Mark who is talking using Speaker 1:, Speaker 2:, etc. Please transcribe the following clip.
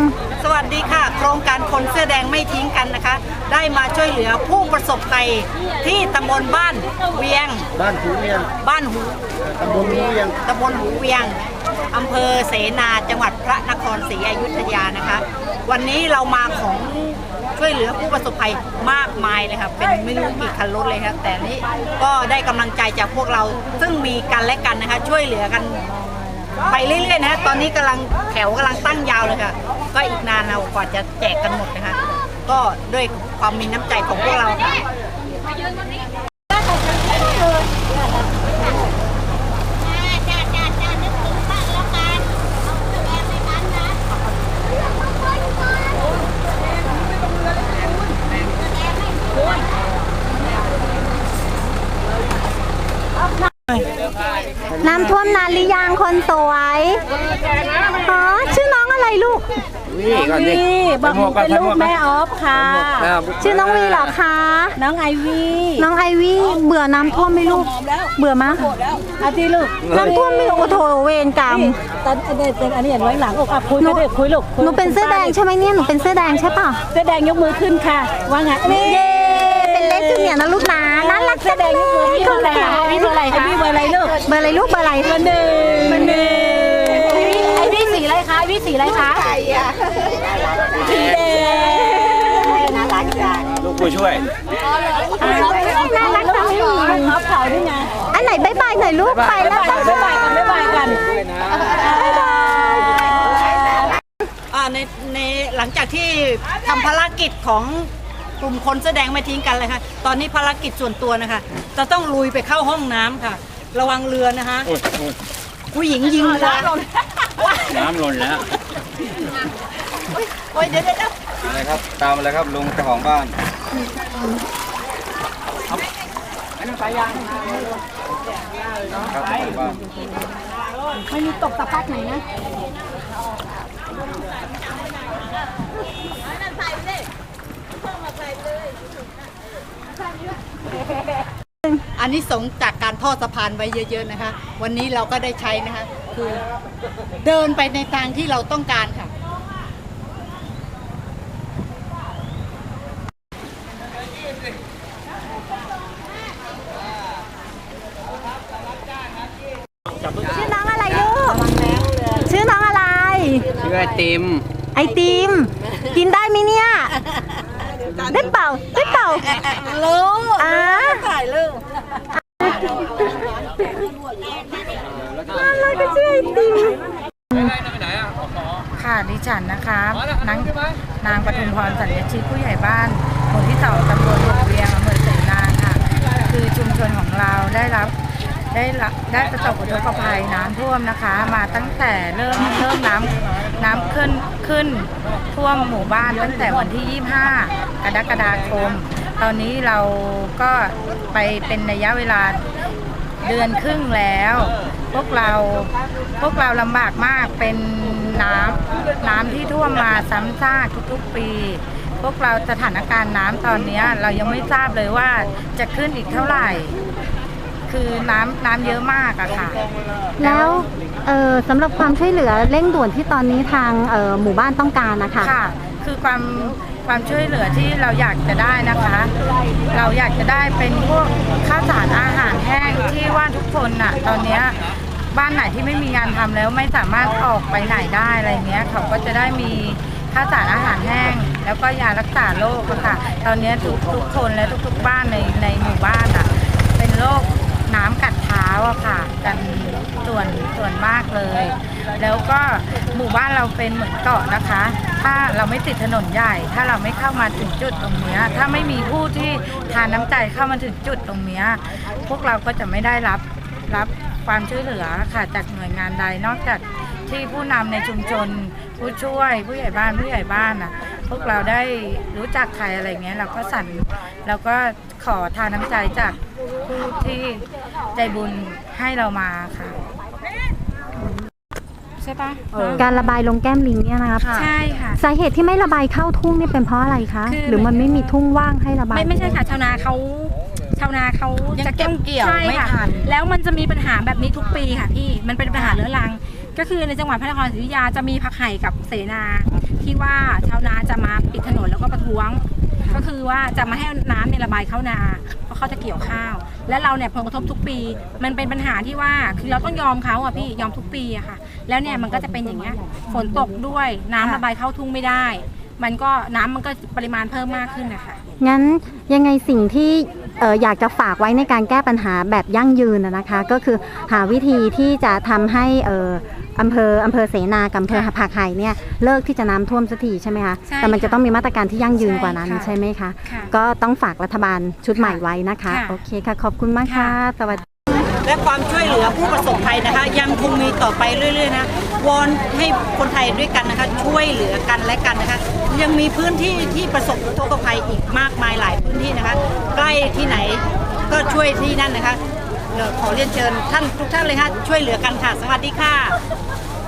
Speaker 1: สวัสดีค่ะโครงการคนเสื้อแดงไม่ทิ้งกันนะคะได้มาช่วยเหลือผู้ประสบภัยที่ตำบลบ้านเวียง
Speaker 2: บ้านหูเวียงตำบลหูเวี
Speaker 1: ยงอำเภอเสนาจังหวัดพระนครศรีอยุธยานะคะวันนี้เรามาของช่วยเหลือผู้ประสบภัยมากมายเลยค่ะเป็นไม่รู้กี่คันรถเลยครับแต่นี้ก็ได้กำลังใจจากพวกเราซึ่งมีกันและกันนะคะช่วยเหลือกันไปเรื่อยๆนะตอนนี้กำลังแถวกำลังตั้งยาวเลยค่ะก็อีกนานเรากว่าจะแจกกันหมดนะคะก็ด้วยความมีน้ำใจของพวกเราค่ะ
Speaker 3: น้ำท่วมนานหรือยังคนสวยอ๋อชื่อน้องอะไรลูก
Speaker 4: นี่บอกเป็นลูกแม่ออฟค่ะ
Speaker 3: ชื่อน้องวีเหรอคะ
Speaker 4: น้องไอวี่
Speaker 3: เบื่อน้ำท่วมไหมลูกเบื่อมะ
Speaker 4: อาทิลูก
Speaker 3: น้ำท่วมไม่โอ้โถเวรกรรม
Speaker 4: ตอนอันนี้เห็นไว้หลังอกคุยกันคุยลูก
Speaker 3: หนูเป็นเสื้อแดงใช่ไหมเนี่ยหนูเป็นเสื้อแดงใช่ป่ะ
Speaker 4: เสื้อแดงยกมือขึ้นค่ะว่าไง
Speaker 3: เย้เป็นเล็กจูเนียร์นะลูกนะน่ารัก
Speaker 4: เสื้อแดงยกมือขึ้นค่ะนี่เบอร์อะไรคะเบอร์อะไรลูก
Speaker 3: เบอร์อะไรลูกเบอร์อะไร
Speaker 4: เบอร์หนึ่งไอวี่สีอะไรคะไอวี่สีอะไรคะสีแดง
Speaker 3: น่ารักจัง
Speaker 2: ลูกผู้ช่วย
Speaker 3: น่ารักจัง
Speaker 4: ท็อปเขาด้วยไง
Speaker 3: อันไหนบ๊ายบายหน่อยลูกไปแล้ว
Speaker 4: บ๊ายบายกันบ๊ายบายกัน
Speaker 1: ในหลังจากที่ทำภารกิจของกลุ่มคนแสดงไม่ทิ้งกันเลยค่ะตอนนี้ภารกิจส่วนตัวนะคะจะต้องลุยไปเข้าห้องน้ำค่ะระวังเรือนะคะผู้หญิงยิงเรือ
Speaker 2: น้ำล้นแล้ว
Speaker 1: โอ้ยเดี๋ยว
Speaker 2: อะไรครับตามอะไรครับลุงเจ้าของบ้านอันนี้สายยางครับบ้าน
Speaker 4: ไม่มีตกตะพักไหนนะ
Speaker 1: อันนี้สงจากการทอดสะพานไว้เยอะๆนะคะวันนี้เราก็ได้ใช้นะคะคือเดินไปในทางที่เราต้องการค่ะ
Speaker 3: ชื่อน้องอะไรลูกชื่อน้องอะไร
Speaker 2: ชื่อไอติม
Speaker 3: กินได้ไหมเนี่ยได้เปล่า
Speaker 4: ลูก
Speaker 3: ถ่ายลูกอะไรก็ชื่อไอติม
Speaker 5: ค่ะดิฉันนะคะนางปทุมพรสัญญชิตผู้ใหญ่บ้านหมู่ที่2ตำบลหัวเวียงอำเภอเสนาค่ะคือชุมชนของเราได้ประสบอุทกภัยน้ำท่วมนะคะมาตั้งแต่เริ่มน้ำขึ้นท่วมหมู่บ้านตั้งแต่วันที่25กรกฎาคมตอนนี้เราก็ไปเป็นระยะเวลาเดือนครึ่งแล้วพวกเราลำบากมากเป็นน้ำที่ท่วมมาซ้ำซากทุกๆปีพวกเราสถานการณ์น้ำตอนนี้เรายังไม่ทราบเลยว่าจะขึ้นอีกเท่าไหร่คือน้ำเยอะมากอะค่ะ
Speaker 3: แล้วสำหรับความช่วยเหลือเร่งด่วนที่ตอนนี้ทางหมู่บ้านต้องการนะคะ
Speaker 5: ค่ะคือความช่วยเหลือที่เราอยากจะได้นะคะเราอยากจะได้เป็นพวกข้าวสารอาหารแห้งที่ว่าทุกคนน่ะตอนนี้บ้านไหนที่ไม่มีงานทำแล้วไม่สามารถออกไปไหนได้อะไรเงี้ยเขาก็จะได้มีข้าวสารอาหารแห้งแล้วก็ยารักษาโรคค่ะตอนนี้ทุกคนและทุกบ้านในหมู่บ้านอ่ะเป็นโรคน้ำกัดเท้าอะค่ะกันส่วนมากเลยแล้วก็หมู่บ้านเราเป็นเหมือนเกาะนะคะถ้าเราไม่ติดถนนใหญ่ถ้าเราไม่เข้ามาถึงจุดตรงนี้ถ้าไม่มีผู้ที่ทานน้ำใจเข้ามาถึงจุดตรงนี้พวกเราก็จะไม่ได้รับความช่วยเหลือค่ะจากหน่วยงานใดนอกจากที่ผู้นำในชุมชนผู้ช่วยผู้ใหญ่บ้านอ่ะพวกเราได้รู้จักใครอะไรเงี้ยเราก็ขอทานน้ำใจจากผู้ที่ใจบุญให้เรามาค่ะใช่ปะ
Speaker 3: การระบายลงแก้มลิงเนี่ยนะคะ
Speaker 5: ใช่ค่ะ
Speaker 3: สาเหตุที่ไม่ระบายเข้าทุ่งนี่เป็นเพราะอะไรคะหรือมันไม่มีทุ่งว่างให้ระบาย
Speaker 4: ไม่ใช่ค่ะชาวนาเขาจะเก็บเกี่ยวไม่ทันแล้วมันจะมีปัญหาแบบนี้ทุกปีค่ะพี่มันเป็นปัญหาเรื้อรังก็คือในจังหวัดพระนครศรีอยุธยาจะมีผักไห่กับเสนาที่ที่ว่าชาวนาจะมาปิดถนนแล้วก็ประท้วง ก็คือว่าจะมาให้น้ำในระบายเข้านาเพราะเขาจะเกี่ยวข้าว และเราเนี่ยผลกระทบทุกปีมันเป็นปัญหาที่ว่าคือเราต้องยอมเขาอ่ะพี่ยอมทุกปีอะค่ะแล้วเนี่ยมันก็จะเป็นอย่างเงี้ยฝนตกด้วยน้ำระบายเข้าทุ่งไม่ได้มันก็น้ำมันก็ปริมาณเพิ่มมากขึ้นนะคะ
Speaker 3: งั้นยังไงสิ่งที่อยากจะฝากไว้ในการแก้ปัญหาแบบยั่งยืนนะคะ ก็คือหาวิธีที่จะทำให้อำเภอเสนากับอำเภอผักไห่เนี่ยเลิกที่จะน้ำท่วมสักทีใช่ไหมคะ
Speaker 4: ใช่
Speaker 3: แต่มันจะต้องมีมาตรการที่ยั่งยืนกว่านั้น
Speaker 4: ใช่ค่ะ
Speaker 3: ใช่ไหมคะ
Speaker 4: ค่ะ
Speaker 3: ก็ต้องฝากรัฐบาลชุดใหม่ไว้นะคะ
Speaker 4: ค่ะ
Speaker 3: โอเคค่ะขอบคุณมากค่ะ สวัสดี
Speaker 1: และความช่วยเหลือผู้ประสบภัยนะคะ ยังคงมีต่อไปเรื่อยๆนะวอนให้คนไทยด้วยกันนะคะ ช่วยเหลือกันและกันนะคะ ยังมีพื้นที่ที่ประสบอุทกภัยอีกมากมายหลายพื้นที่นะคะ ใกล้ที่ไหนก็ช่วยที่นั่นนะคะขอเรียนเชิญท่านทุกท่านเลยค่ะช่วยเหลือกันค่ะ สวัสดีค่ะ